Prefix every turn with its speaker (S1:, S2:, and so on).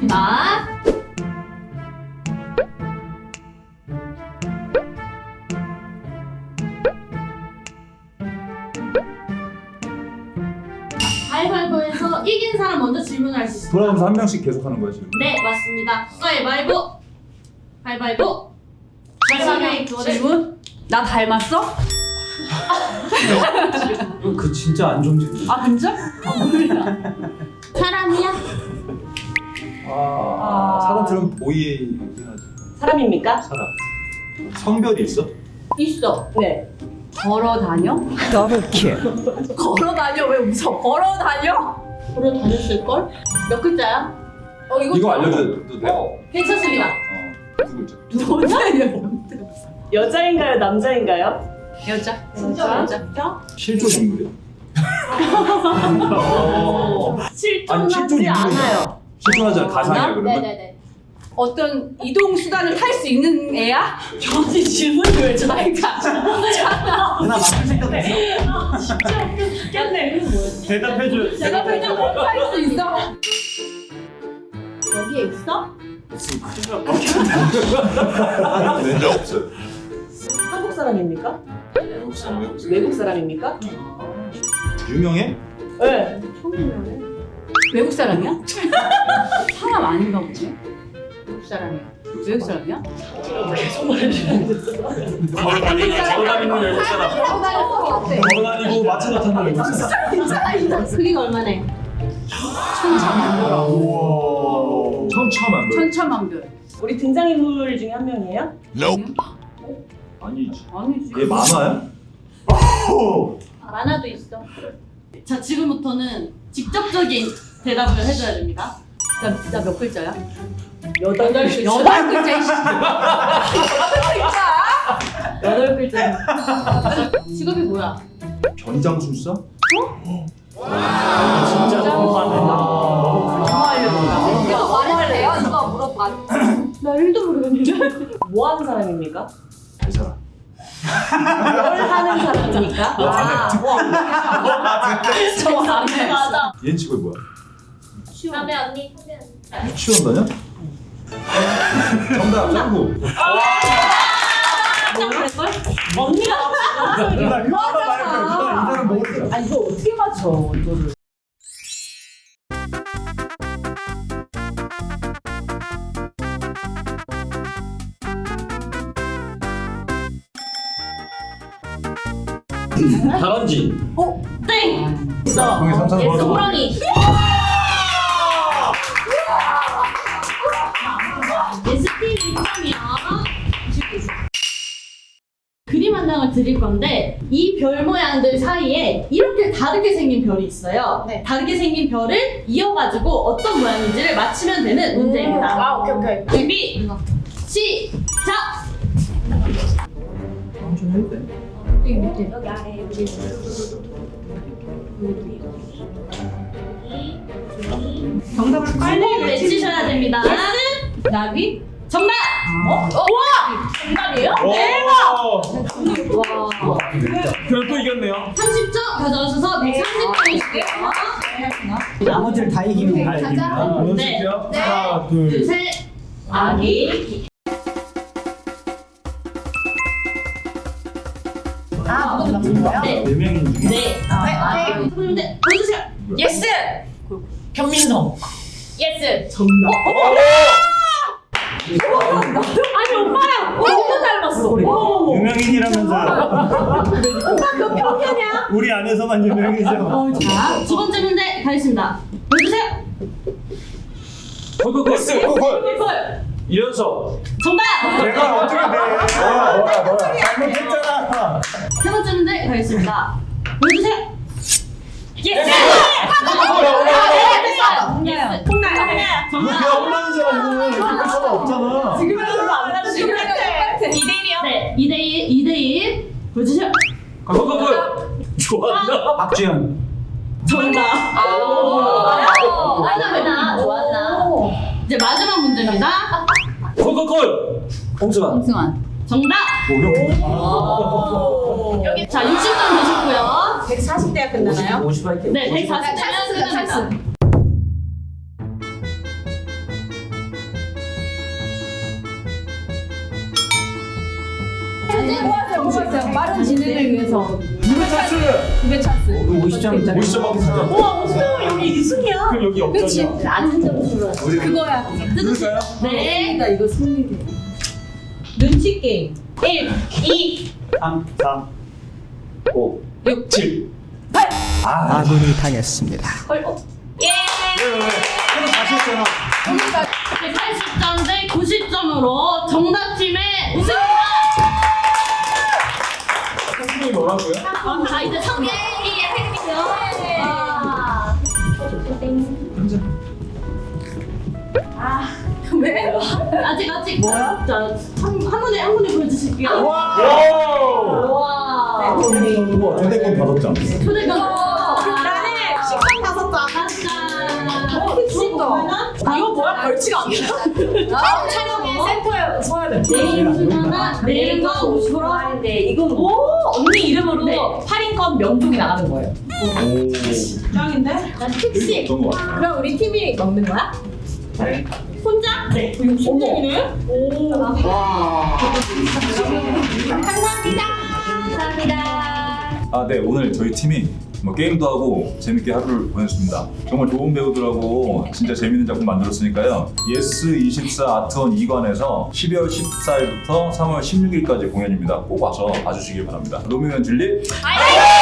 S1: 가겠습니다. 가위바위보에서 이긴 사람 먼저 질문할 수 있습니다.
S2: 돌아가면서 한 명씩 계속 하는 거야 지금?
S1: 네, 맞습니다. 가위바위보. 가위바위보.
S3: 질문? 나 닮았어?
S2: 그 진짜 안 좋은 질문.
S3: 아 진짜?
S1: 사람이야?
S2: 사람 들으면 보이긴 하지.
S4: 사람입니까?
S2: 사람. 성별이 있어?
S4: 있어. 네.
S3: 걸어 다녀? 걸어 다녀? 왜 웃어? 걸어 다녀?
S1: 걸어 다녔을걸? 몇 글자야?
S2: 이거 알려줘도 돼?
S1: 괜찮습니다.
S2: 두 글자.
S4: 여자인가요? 남자인가요?
S3: 여자.
S1: 여자?
S2: 실존 인물이야?
S4: 실존하지
S2: 실존 인물이야.
S4: 않아요.
S2: 실존하지 않아. 가상이야 그러면?
S1: 네네네.
S3: 어떤 이동 수단을 탈 수 있는 애야?
S4: 저한테 질문을 왜 저희가
S5: 누나 맞출 생각 없어?
S4: 진짜 웃겼네. 이거 뭐였지?
S5: 대답해줘.
S3: 내가 그냥 탈수 있어?
S1: 여기에 있어?
S2: 왠지 없어요.
S4: 한국 사람입니까?
S2: 외국 사람, 외국 사람.
S4: 외국 사람입니까?
S2: 유명해?
S4: 네.
S3: 외국 사람이야? 사람 아닌가 보네. 외국 사람이야. 외국 사람이야?
S4: 계속 말해주는데.
S5: 걸어 다니는 외국 사람. 걸어 다니고 마차 나타나는 외국 사람.
S1: 크기가 얼마네?
S2: 우와. 천차만별.
S3: 천차만별.
S4: 우리 등장인물 중에 한 명이에요?
S2: 아니지.
S3: 아니지.
S2: 얘 만화야?
S1: 만화도 있어. 자, 지금부터는 직접적인 대답을 해줘야 됩니다.
S3: 나 몇 글자야?
S4: 8글자.
S3: 여덟 글자. 이씨.
S4: 여덟 글자.
S1: 직업이 뭐야?
S2: 변장술사?
S5: 진짜 너무 많네.
S3: 이거 말해요? 이거 물어봐.
S1: 나 1도 모르겠는데.
S4: 뭐 하는 사람입니까?
S2: 이 사람.
S4: 뭘 하는 사람입니까?
S3: 저 안해.
S1: 맞아.
S2: 얘는 직업이 뭐야?
S1: 남의 언니.
S2: 유치원 다녀? 정답 짱구.
S4: 언니가
S5: 누나 그거만 말해. 누나 이 사람 모르잖아.
S4: 아 이거 어떻게 맞춰 이거를?
S5: 다람쥐.
S1: 땡!
S2: 형이 삼삼
S1: 예스 호랑이. ST 1점이야. 그림 한 장을 드릴 건데 이 별 모양들 사이에 이렇게 다르게 생긴 별이 있어요.
S3: 네.
S1: 다르게 생긴 별을 이어가지고 어떤 모양인지를 맞히면 되는 문제입니다.
S3: 오케이.
S1: 준비 시작.
S2: 좀 해도 돼?
S3: 정답을
S1: 빨리 외치셔야 됩니다.
S3: 나비?
S1: 정답! 우와! 정답이에요?
S3: 와.
S5: 그럼 또 이겼네요.
S1: 30점 가져오셔서 130점이시고요.
S5: 나머지를 다 이기면 다 이깁니다.
S1: 네.
S5: 하나,
S1: 둘,
S5: 둘.
S1: 셋. 아기. 네.
S5: 네 명인 중에.
S1: 네. 선생님들 보여주세요.
S3: 예스.
S4: 현민성.
S1: 예스.
S4: 정답.
S1: 아니 오빠야. 너무 닮았어.
S5: 유명인이라면서.
S1: 오빠 몇 평이냐?
S5: 우리 안에서만 유명이죠.
S1: 자, 두 번째 문제 가겠습니다. 보여주세요.
S5: 콜.
S1: 콜.
S5: 이현석.
S1: 정답.
S5: 내가 어떻게 돼? 뭐야. 잘못했잖아.
S1: 세 번째 문제 가겠습니다. 보여주세요. 예스. 예스.
S5: 뭐 그냥 혼나는 사람은 이렇게 할 수가 없잖아.
S4: 지금은 별로 안 나는 지금 같아.
S1: 2대1이요? 네, 2대1 보여주세요.
S5: 좋아한다. 박주현.
S1: 정답. 아나 좋았나? 이제 마지막 문제입니다.
S5: 콜. 홍수만.
S3: 홍승환.
S1: 정답. 여기 자 60점 되셨고요.
S4: 140대가 끝나나요?
S5: 50 할게.
S1: 네, 140점 끝납니다.
S3: 뭐하세요? 빠른 진행을 위해서.
S5: 누구 찬스?
S3: 두배 찬스.
S5: 50점. 50점 받고 진짜.
S4: 와, 없어. 여기 2승이야.
S5: 그럼 여기
S3: 그치?
S5: 역전이야.
S1: 낮은 점수로.
S3: 그거야.
S5: 누굴까요?
S1: 네.
S3: 나 이거 승리해.
S4: 눈치 게임. 1, 2,
S5: 3, 4, 5, 6, 7.
S6: 아군이 당했습니다.
S4: 예.
S5: 그럼 다시 했잖아.
S1: 80점 대 90점으로 정답팀의 우승입니다.
S5: 선생님이 뭐라고요?
S1: 자, 이제 3개 할게요.
S3: 왜?
S1: 아직 뭐야? 자, 한 분에 보여주실게요.
S5: 와!
S1: 와.
S2: 우와 초대권 5장.
S1: 초대권.
S4: 나는 식빵 5장.
S1: 짠.
S3: 진짜.
S4: 이거 뭐야? 벌칙 아니야? 촬영에 센터에 서야 돼.
S1: 내일 주잖아. 내일은 거 50%.
S4: 아닌데 이건 오 언니 이름으로 8인권 명종이 나가는 거예요.
S2: 오.
S4: 짱인데?
S1: 나 특식.
S2: 어떤 거 같아?
S4: 그럼 우리 팀이 먹는 거야?
S1: 혼자? 네.
S4: 60점이네? 오.
S2: 아, 네. 오늘 저희 팀이 뭐 게임도 하고 재밌게 하루를 보냈습니다. 정말 좋은 배우들하고 진짜 재밌는 작품 만들었으니까요. 예스24 아트원 2관에서 12월 14일부터 3월 16일까지 공연입니다. 꼭 와서 봐주시길 바랍니다. 로미오 앤 줄리.
S1: 아이!